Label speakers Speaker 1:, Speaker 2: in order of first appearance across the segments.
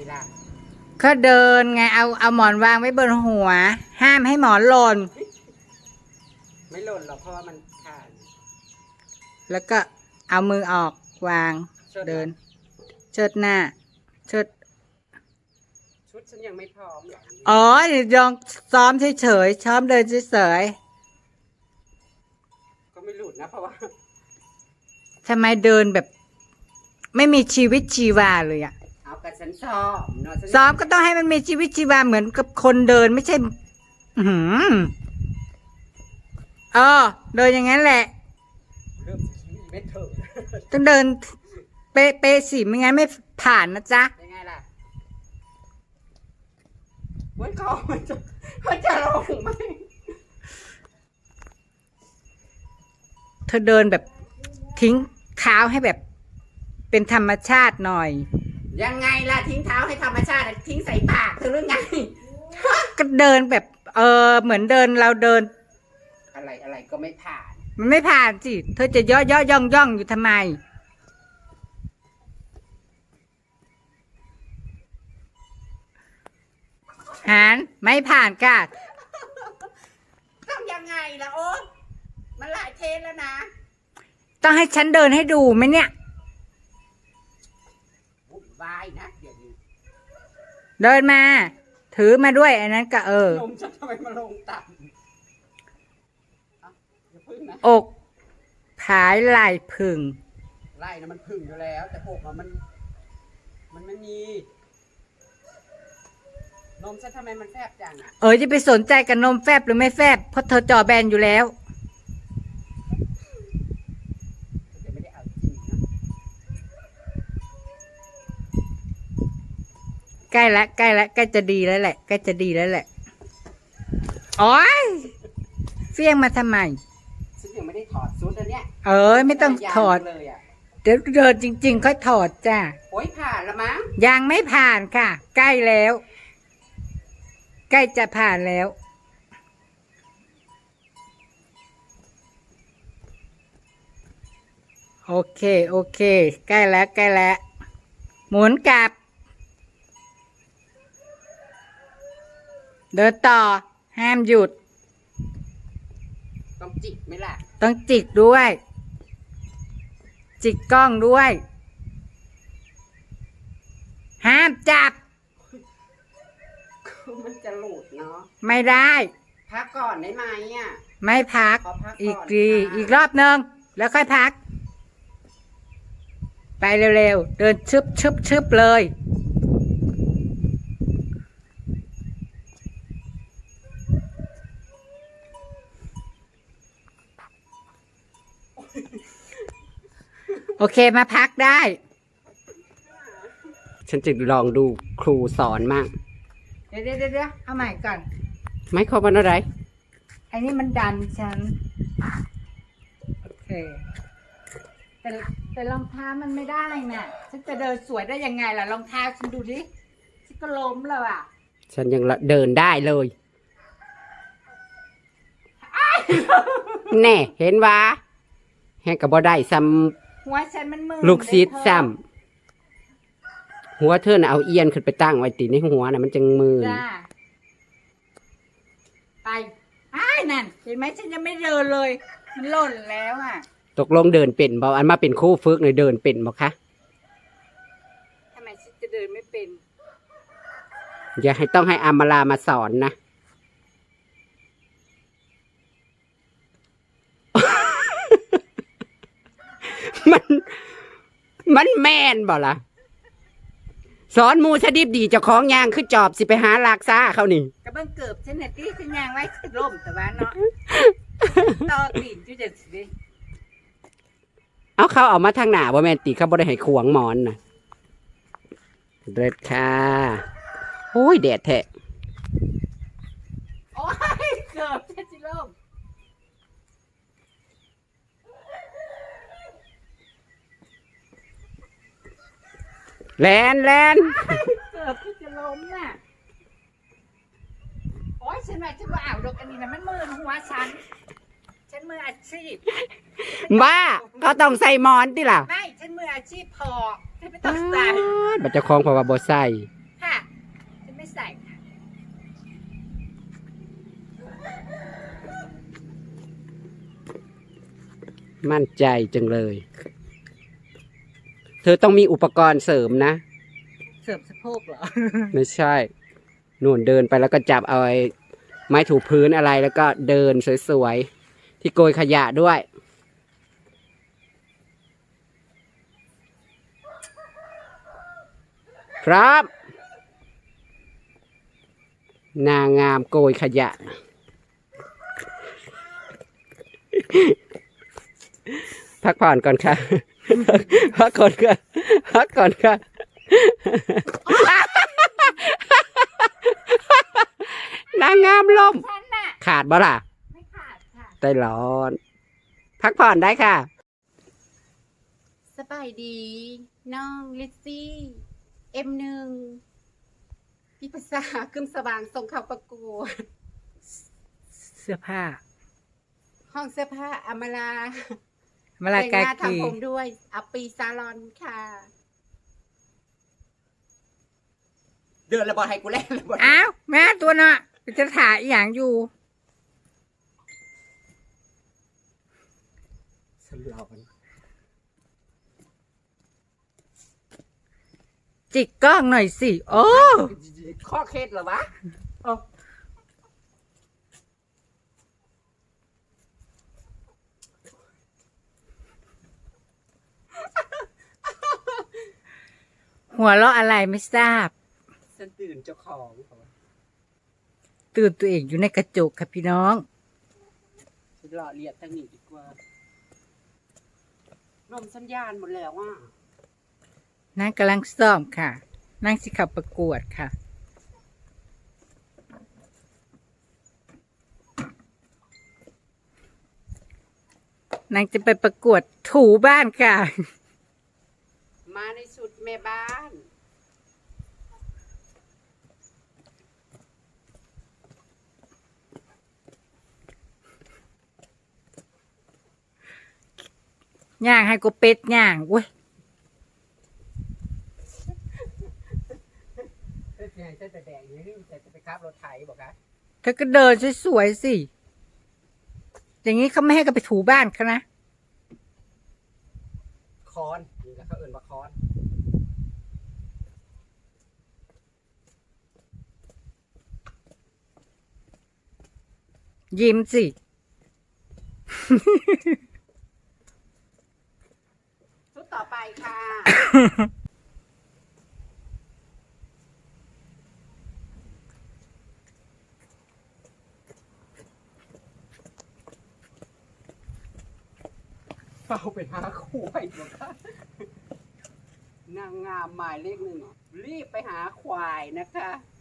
Speaker 1: ล่ะ
Speaker 2: ก็เดินไงเอาหมอนวางไว้บนหัว ห้ามให้หมอนหล่น
Speaker 1: ไม่หล่นหรอกเพราะว่ามันขาด
Speaker 2: แล้วก็เอามือออกวางเดินเชิดหน้าเชิด
Speaker 1: ชุดฉันยังไม่พร้อมหรอก
Speaker 2: อ๋อลองซ้อมเฉยๆซ้อมเดินเฉย
Speaker 1: ก็ไม่หลุดนะเพราะว่า
Speaker 2: ๆทำไมเดินแบบไม่มีชีวิตชีวาเลยอะ
Speaker 1: เอากับฉันซ้อมเนาะ
Speaker 2: ซ้อมก็ต้องให้มันมีชีวิตชีวาเหมือนกับคนเดินไม่ใช่เดินอย่างนั้นแหละ
Speaker 1: เริ่มชีวิตไม่เถอะ
Speaker 2: ต้องเดินเป๊ะสิไม่งั้นไม่ผ่านนะจ๊ะ
Speaker 1: ยังไงล่ะวันเขามันจะลงไหม
Speaker 2: เธอเดินแบบทิ้งเท้าให้แบบเป็นธรรมชาติหน่อย
Speaker 1: ยังไงล่ะทิ้งเท้าให้ธรรมชาติทิ้งใส่ปากเธอหรือไง
Speaker 2: ก็เดินแบบเหมือนเดินเราเดิน
Speaker 1: อะไรก็ไม่ผ่าน
Speaker 2: มันไม่ผ่านสิเธอจะย่อย่องอยู่ทำไมหานไม่ผ่านก้า
Speaker 1: ต้องยังไงล่ะโอ๊ตมันหลายเทสแล้วนะ
Speaker 2: ต้องให้ฉันเดินให้ดูไหมเนี่ย
Speaker 1: วุ่นวายนะเดี๋ยวนี้
Speaker 2: เดินมาถือมาด้วยอันนั้นก็
Speaker 1: นมฉันทำไมมาลงต่ำ
Speaker 2: อกผายไหล่พึง
Speaker 1: ไล่นะมันพึ่งอยู่แล้วแต่อกมันไม่มีนมฉันทำไมมันแฟบจัง
Speaker 2: จะไปสนใจกับนมแฟบหรือไม่แฟบเพราะเธอจอแบนอยู่แล้ว
Speaker 1: ไม่ได้เอาจริงนะ
Speaker 2: ใกล้ละใกล้จะดีแล้วแหละใกล้จะดีแล้วแหละโอ๊ยเฟี้ยงมาทำไม
Speaker 1: ฉันยังไม่ได้ถอดชุดอันเนี้ย
Speaker 2: ไม่ต้องถอด
Speaker 1: เลย
Speaker 2: เดี๋ยวเดินจริงๆค่อยถอดจ้า
Speaker 1: โอ๊ยผ่านละมั้ง
Speaker 2: ยังไม่ผ่านค่ะใกล้แล้วใกล้จะผ่านแล้วโอเคใกล้แล้วหมุนกลับเดินต่อห้ามหยุด
Speaker 1: ต้องจิกไหมล่ะ
Speaker 2: ต้องจิกด้วยจิกกล้องด้วยห้ามจับ
Speaker 1: มันจะหลุดเนาะ
Speaker 2: ไม่ได้
Speaker 1: พักก่อนได้ไหม
Speaker 2: ไม่พักอีกรอบนึงแล้วค่อยพักไปเร็วๆเดินชึบเลยโอเคมาพักได้
Speaker 1: ฉันจะลองดูครูสอนมั่ง
Speaker 2: เดี๋ยวเอาใหม่ก่อน
Speaker 1: ไม่ครบมันอะไร
Speaker 2: อันนี้มันดันฉันโอเคแต่รองเท้ามันไม่ได้น่ะฉันจะเดินสวยได้ยังไงล่ะรองเท้าฉันดูดิฉันก็ล้มแล้วอ่ะ
Speaker 1: ฉันยังเดินได้เลยแน่เห็นวะแห้งกับบ่ได้ซ้
Speaker 2: ำหัวฉันมันมือ
Speaker 1: ลูกซีดซ้ำหัวเธอน่ะเอาเอียนขึ้นไปตั้งไว้ติในหัวน่ะมันจังมือ
Speaker 2: ไปนั่นเห็นไหมฉันยังไม่เดินเลยมันหล่นแล้วอ่ะ
Speaker 1: ตกลงเดินเป็นบ่อันมาเป็นคู่ฝึกเลยเดินเป็นบ่คะ
Speaker 2: ทำไมฉันจะเดินไม่เป็น
Speaker 1: อย่าให้ต้องให้อามาลามาสอนนะมันแม่นบ่ล่ะสอนมูชดิบดีเจ้าของยางคือจอบสิไปหาลากซ่าเขานี่
Speaker 2: กระเบื้องเกือบฉันเนี่ยที่ฉันยางไว้คือล่มแต่ว่าเนาะต่อตีนจุดเด็ดสิ
Speaker 1: เขาเอามาทางหน้าบ่แม่นติเขาบ่ได้ให้ขวงหมอนน่ะเด็ดค่ะโอ้ยแดดแท้
Speaker 2: โอ้ยเกือบฉันสิล่ม
Speaker 1: แลน
Speaker 2: เกือบจะล้มน่ะโอ้ยฉันว่าอ่าวดอกอันนี้นะมันมือหัวฉันมืออาชีพ
Speaker 1: บ้าก็ต้องใส่มอนติล่ะ
Speaker 2: ไม่ฉันมืออาชีพพอฉันไม่ต้องใส่
Speaker 1: บัตรเจ้าของเพราะว่าบ่ใส่มั่นใจจังเลย เธอต้องมีอุปกรณ์เสริมนะ
Speaker 2: เสริมสะโพกเหรอ
Speaker 1: ไม่ใช่นู่นเดินไปแล้วก็จับเอาไม้ถูพื้นอะไรแล้วก็เดินสวยๆที่โกยขยะด้วยครับนางงามโกยขยะ พักผ่อนก่อนค่ะ พักก่อนค่ะพักก่อนค่ะ นางงามลม
Speaker 2: ฉันน่ะ
Speaker 1: ขาดบ่ล่ะ
Speaker 2: ไม่ขาดค่ะ
Speaker 1: ใจร้อน พักผ่อนได้ค่ะ
Speaker 2: สบายดี น้องลิซซี่ M1 พี่ภาษาขึ้นสว่างส่งเข้าประกวด
Speaker 3: เสื้อผ้า
Speaker 2: ห้องเสื้อผ้าอมรา
Speaker 3: มาลา
Speaker 2: แต่ง
Speaker 3: กา
Speaker 2: หน้า
Speaker 3: กี
Speaker 2: ทำผมด้วยอัปปีซาลอนค่ะ
Speaker 1: เดินระบอให้กูเล่นระบอ
Speaker 3: อ้าวแม่ตัวเนาะจะถ่ายอหย่างอยู่
Speaker 1: สลอน
Speaker 3: จิกกล้องหน่อยสิ โอ้
Speaker 1: ข้อเคล็ดเหรอวะ
Speaker 3: หัวเราะอะไรไม่ทราบ
Speaker 1: ฉันตื่นเจ้าของ
Speaker 3: ตื่นตัวเองอยู่ในกระจกค่ะพี่น้อง
Speaker 1: ฉันรอเรียกทางนี้ดีกว่าลมสัญญาณหมดแล้วอ่ะ
Speaker 3: นางกำลังซ้อมค่ะนางสิขับประกวดค่ะ นางจะไปประกวดถูบ้านค่ะ
Speaker 1: มาในสุดแม่บ้าน
Speaker 3: ย่างให้กูเป็ดย่างเว้ย
Speaker 1: เส้นแดงแดงนี่จะไปขับรถไถบอกคะ
Speaker 3: เธอก็เดินสวยๆสิ อย่างนี้เขาไม่ให้กันไปถูบ้านเขานะ
Speaker 1: คอนนี่แหละเขาเอื่นว่าคอน
Speaker 3: ยิ้มสิ
Speaker 1: ชุดต่อไปค่ะ เฝ้าไปหาควายบอกค่ะนางงามหมายเลขหนึ่งรีบไปหาควายนะคะ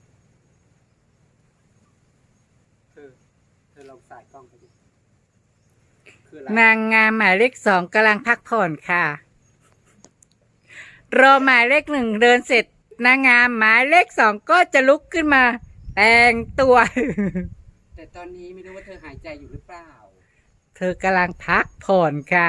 Speaker 1: เธอลองสายกล้องไปดิคืออะไร
Speaker 3: นางงามหมายเลข 2กำลังพักผ่อนค่ะ รอหมายเลข 1เดินเสร็จ นางงามหมายเลข 2ก็จะลุกขึ้นมา แต่งตัว
Speaker 1: แต่ตอนนี้ไม่รู้ว่าเธอหายใจอยู่หรือเปล่า
Speaker 3: เธอกำลังพักผ่อนค่ะ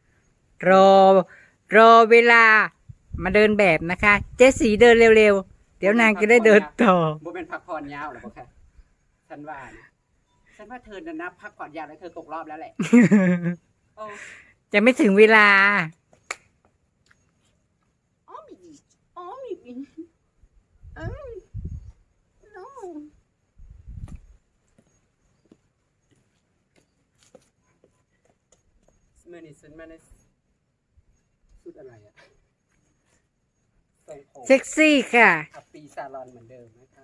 Speaker 3: รอเวลามาเดินแบบนะคะ เจสีเดินเร็วๆ เดี๋ยวนางจะได้เดินต่อ
Speaker 1: บ่เป็นพักผ่อนยาวหรอกค่ะฉันว่านะฉันว่าเธอน่ะนะพักผ่อนยาวแล้วเธอตกรอบแล้วแหละโอ้
Speaker 3: จะไม่ถึงเวลา
Speaker 2: อ๋อมีอ๋อมีเอ้ย no
Speaker 1: เมื่อนี้ฉันมาในสุดอะไรอะทรงผม
Speaker 3: เซ็กซี่ค่ะ
Speaker 1: อัปปีซาลอนเหมือนเดิมนะคะ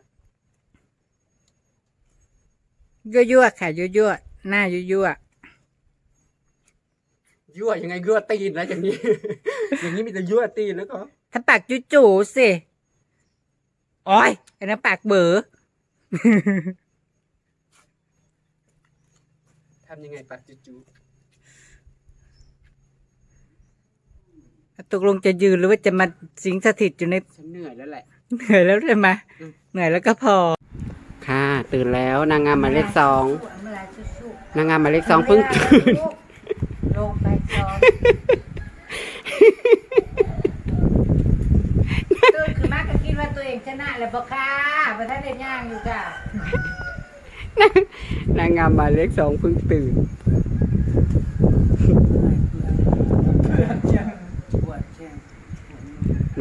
Speaker 3: ยั่วๆค่ะยั่วๆหน้ายั่ว
Speaker 1: ยั่วยังไงยั่วตีนนะอย่างนี้ อย่างนี้มีแต่ยั่วตีนแล้วก็
Speaker 3: ๆถ้าปากจู่ๆสิโอ้ยไอ้นั่นปากเบ๋อ
Speaker 1: ทำยังไงปากจู
Speaker 3: ตกลงจะยืนหรือว่าจะมาสิงสถิตอยู่ใน
Speaker 1: ๆฉันเหนื่อยแล้วแหละ
Speaker 3: เหนื่อยแล้วใช่ไหมเหนื่อยแล้วก็พอ
Speaker 1: ค่ะ ตื่นแล้วนางงามหมายเลข 2นางงามหมายเลข 2เพิ่งตื่น
Speaker 3: ลงไปซ้อมตื่นคือมากก็คิดว่าตัวเองชนะแล้วบอกค่ะประธานเด็ดย่างอยู่จ้ะ
Speaker 1: นางงามหมายเลข 2เพิ่งตื่น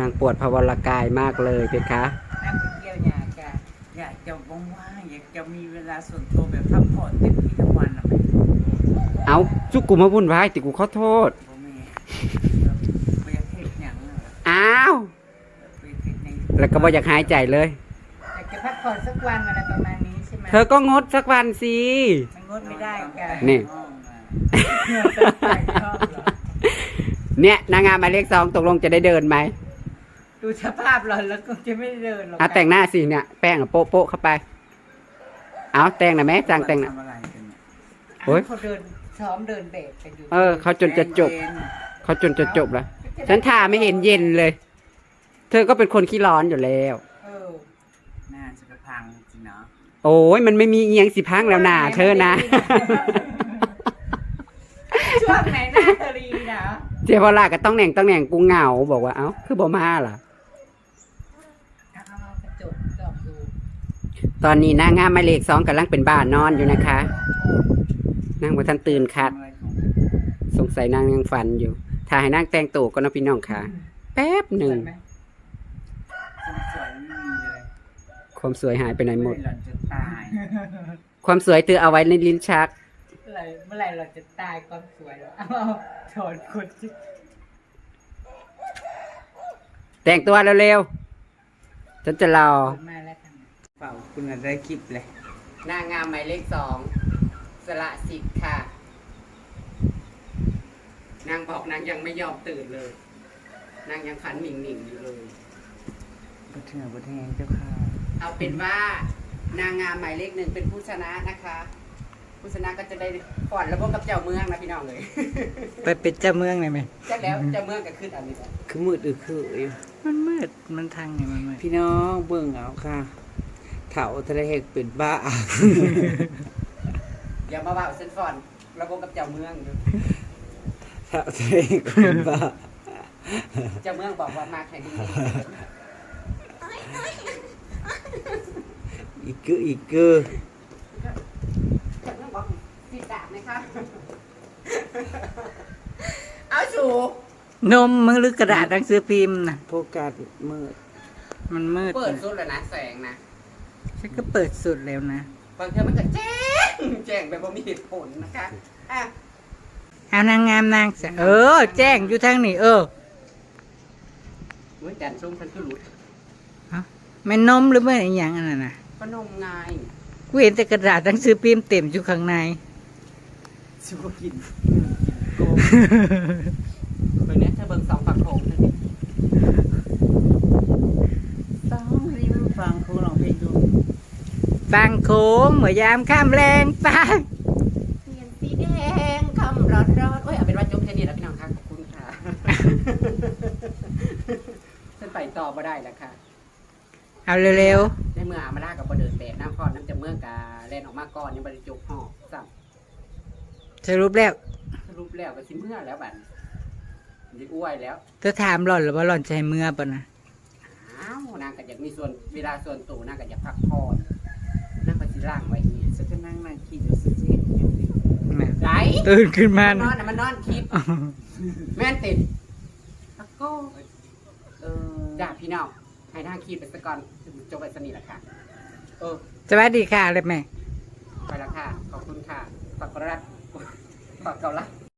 Speaker 1: นางปวดพวรกายมากเลยเพคะ
Speaker 3: นั่งไปเที่ยวหยาจ้ะ
Speaker 4: อยากจะว่างๆอยากจะมีเวลาส่วนตัวแบบพักผ่อนเต็มที่ทั้งวันอะไหม
Speaker 1: เอาจุกกูมาวุ่นวายติกูขอโทษ
Speaker 4: พ่อแม่ไปอยากเฮ็ดหยังอะ
Speaker 1: อ้าว
Speaker 4: ไปเฮ็ดหยัง
Speaker 1: แล้วก็บ่อยากหายใจเลย
Speaker 3: อยากจะพักผ่อนสักวันอะไรประมาณนี้ใช่ไหม
Speaker 1: เธอก็งดสักวันสิ
Speaker 3: มันงดไม่ได้จ้ะ
Speaker 1: นี่
Speaker 4: ห้องอะ
Speaker 3: ชอบเหรอ
Speaker 1: เนี่ยนางงามหมายเลข 2ตกลงจะได้เดินไหม
Speaker 3: ดูสภาพเราแล้วก็จะไม่เดินหรอก
Speaker 1: เอาแต่งหน้าสิเนี่ยแป้งอะโป๊ะโป๊ะเข้าไป เอาแต่งหน่อยไหมจางแต่งหน่อย
Speaker 4: ทำอะไรกันเนี่ย
Speaker 1: โอ๊ย
Speaker 3: เขาเดินซ้อมเดินเบรกกันอยู่
Speaker 1: เขาจนจะจบ
Speaker 4: แจ้งเวร
Speaker 1: เขาจนจะจบแล้ว ฉันทาไม่เห็นเย็นเลย เธอก็เป็นคนขี้ร้อนอยู่แล้ว
Speaker 3: เออ
Speaker 4: น่าจะกระพังจริงเนาะ
Speaker 1: โอ้ยมันไม่มีเอียงสิพังแล้วนะเธอนะ
Speaker 3: ช่วงไหนหน้าตรีนะ
Speaker 1: เจ้าพลาก็ต้องแหน่งกูเหงาบอกว่าเอ้าคือบ่มาล่ะ
Speaker 3: เอากระจกจอบดู
Speaker 1: ตอนนี้นางงามหมายเลข 2กำลังเป็นบ้านนอนอยู่นะคะนางบ่ทันตื่นคัด
Speaker 4: ทำอะไรของ
Speaker 1: สงสัยนางยังฝันอยู่ถ้าให้นางแต่งตัวก็นะพี่น้องค่ะ แป๊บหนึ่ง
Speaker 3: สวยไหม
Speaker 4: คนสวยไม่มีเลย
Speaker 1: ความสวยหายไปไหนหมด
Speaker 4: หล่อนจะตาย
Speaker 1: ความสวยเธอเอาไว้ในลิ้นชัก
Speaker 3: เมื่อไหร่เราจะตายความสวยแล้วเอาถอนคนที่
Speaker 1: แต่งตัวเร็วๆฉันจะรอ
Speaker 3: มาแล้วทำไม
Speaker 4: เปล่าคุณอะได้คลิปเลย
Speaker 1: นางงามหมายเลข 2สละสิทธิ์ค่ะ นางบอกนางยังไม่ยอมตื่นเลย นางยังขันหมิ่งๆอยู่เลย
Speaker 4: บัดเถื่อบัดแทงเจ้าค่ะ
Speaker 1: เอาเป็นว่านางงามหมายเลข 1เป็นผู้ชนะนะคะ ผู้ชนะก็จะได้ก่อนแล้วพบกับเจ้าเมืองนะพี่น้องเลย
Speaker 3: ไปเป็นเจ้าเมืองเลยไหม
Speaker 1: จะแล้วเจ้าเมืองก็ขึ้นอันนี้แหละ
Speaker 4: คือมืดอึคืออยู่
Speaker 3: มันมืดมันทางไงมันมืด
Speaker 4: พี่น้องเบิ่งเอาค่ะเถาทะเลเหกเป็นบ้า
Speaker 1: อย่ามาว่าเส้นฟอนแล้วพบกับเจ้าเมืองอยู่
Speaker 4: เถาทะเลเหกเป็นบ้า
Speaker 1: เจ้าเมืองบอกว่ามาแข่งดี
Speaker 4: อีกคือ
Speaker 1: เจ้าเมืองบอกสิดาบไหมคะ เอาสู
Speaker 3: นมมือหรือกระดาษหนังสือพิมพ์นะ
Speaker 4: โฟกัสมืด
Speaker 3: มันมืด
Speaker 1: เปิดสุดแล้วนะแสงนะ
Speaker 3: ฉันก็เปิดสุดแล้วนะ
Speaker 1: บางทีมันก็แจ้งแบบว่ามีเหตุผลนะคะอ่ะ
Speaker 3: เอานางงามนางสาวแจ้งอยู่ทางนี้
Speaker 1: เ
Speaker 3: เ
Speaker 1: มื่อจันทร์ส้มฉันก็หลุด
Speaker 3: แม่นมหรือไม่อะไรอย่างนั้นน่ะ
Speaker 1: ก็นมไง
Speaker 3: กูเห็นแต่กระดาษหนังสือพิมพ์เต็มอยู่ข้างใน
Speaker 4: ชิบกิน
Speaker 1: เบิ่งเนี้ยเธอเบิ่งสองฝั่งโขงเธอดิ
Speaker 4: ต้องริมฟังเขาลองเพลงดู
Speaker 3: ฟังโค้งเมื่อยามข้ามแรงไป
Speaker 1: เทียนสีแดงคำร้อนโอ้ยเอาเป็นว่าจบแค่นี้แล้วพี่น้องค่ะขอบคุณค่ะ ฉันไปต่อมาได้แล้วค่ะ
Speaker 3: เอาเร็ว
Speaker 1: ในเมื่ออามาล่ากับบ่เดินแบบน้ำพอดน้ำจะเมืองกาแล่นออกมาก่อนยังบริจุกห่อซ้
Speaker 3: ๆสรุปแล้ว
Speaker 1: ำสรุปแล้วก็สิเมื่อแล้วบัดดิอ้วยแล้ว
Speaker 3: เธอถามหล่อนหรือว่าหล่อนจะให้เมื่อปะนะ
Speaker 1: อ้าวนางก็อยากมีส่วนเวลาส่วนตัวนางก็อยากพักผ่อนนางก็สิร่างไว้เนี่ย
Speaker 4: ฉันก็นั่งคิดอยู่สิเจ็ดเนี่ยสิ
Speaker 3: น่ะ
Speaker 1: ไหน
Speaker 3: ตื่นขึ้นมา
Speaker 1: มันน
Speaker 3: นะ
Speaker 1: อนน่ะมันนอนคิดแม่นติดตะโก้
Speaker 4: เออ
Speaker 1: จ้าพี่น้องให้ทางคิดไปซะก่อนจบไปสนิทละค่ะเออ
Speaker 3: สวัสดีค่ะเลยแม่
Speaker 1: ไปละค่ะขอบคุณค่ะฝากกดไลค์ฝากเกาลัด